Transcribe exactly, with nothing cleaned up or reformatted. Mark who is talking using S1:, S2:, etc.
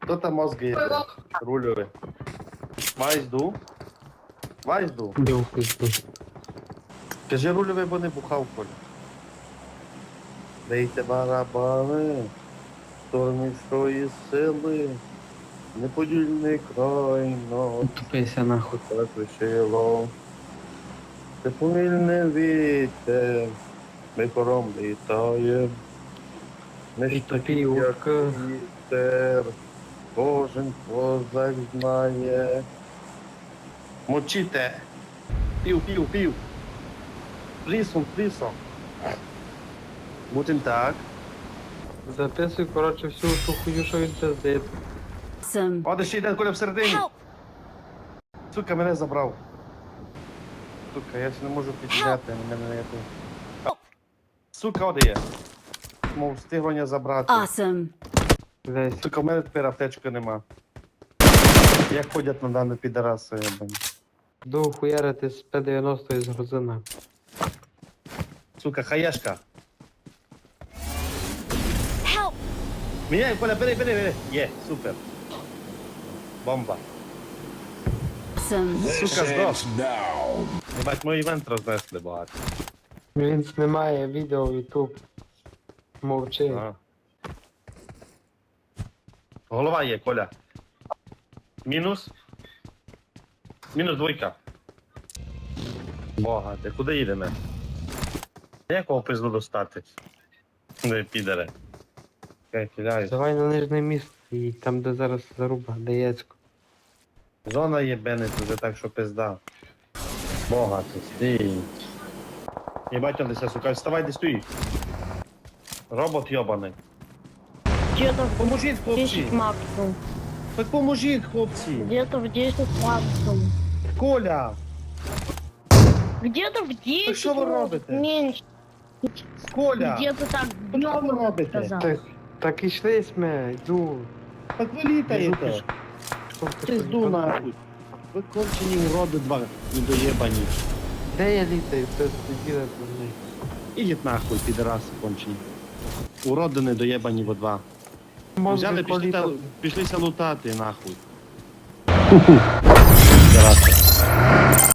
S1: Хто там мозги є? Рульовий. Вайзду. Вайзду.
S2: Бив пизду.
S1: Кажи рульовий, бо не бухав, Коля. Бейте барабани, штормівської сили, неподільний край ночі
S2: Тупися нахуй.
S1: так вишило. Це повільний вітер, ми хором літає. Не
S2: І тобі
S1: як
S2: урка.
S1: вітер, кожен козак знає. Мочите! Пів, пів, пів! Плісом, плісом! Будем так.
S2: Записуй, коротше, всю ту хуйню, що він пиздить.
S3: Awesome.
S1: О, де ще йде Коля всередині.
S3: Help!
S1: Сука, мене забрав. Сука, я ще не можу підняти, мене не є. Сука, оде є. Мов встиглення забрати.
S3: Awesome.
S2: Десь.
S1: Сука, в мене тепер аптечки нема. Як ходять на дану підараси, я бань.
S2: Ду хуярити з П дев'яносто із грузина.
S1: Сука, хаєшка.
S3: Help!
S1: Міняй, Коля, бери, бери, бери. Є, супер. Бомба.
S3: Awesome.
S1: Сука, здох. Ебать, мой івент рознесли багато.
S2: Він знімає відео в Ютуб. Мовчи.
S1: Ага. Голова є, Коля. Мінус. Мінус двойка. Бога, ти куди їдемо? Якого пизду достати? Не підере. Окей, кидаю.
S2: Давай на нижнє місце і там, де зараз заруба, де яцько.
S1: Зона є бенет уже так, що пизда. Бога, ти стій. Єбать, он десь, сука, вставай, де стоїш. Робот йобаний.
S4: Где-то в
S1: Поможіть, хлопці.
S4: десять максимум.
S1: Так поможіть, хлопці.
S4: Где-то в десять максимум.
S1: Коля,
S4: Где-то в десять.
S1: що ви
S4: может,
S1: робите?
S4: Меньше.
S1: Коля.
S4: Где-то так.
S1: Що ви робите?
S4: сказал.
S2: Так, так ішли сме, йду.
S1: Так ви літаєте. Пизду нахуй. Ви кончені уроди два недоєбані.
S2: Де я літаю? Хтось сиділи до мене.
S1: Ідіть нахуй, підараси кончені. Уроди недоєбані во два. Взяли, пішли, та- пішлися лутати нахуй. Підараси.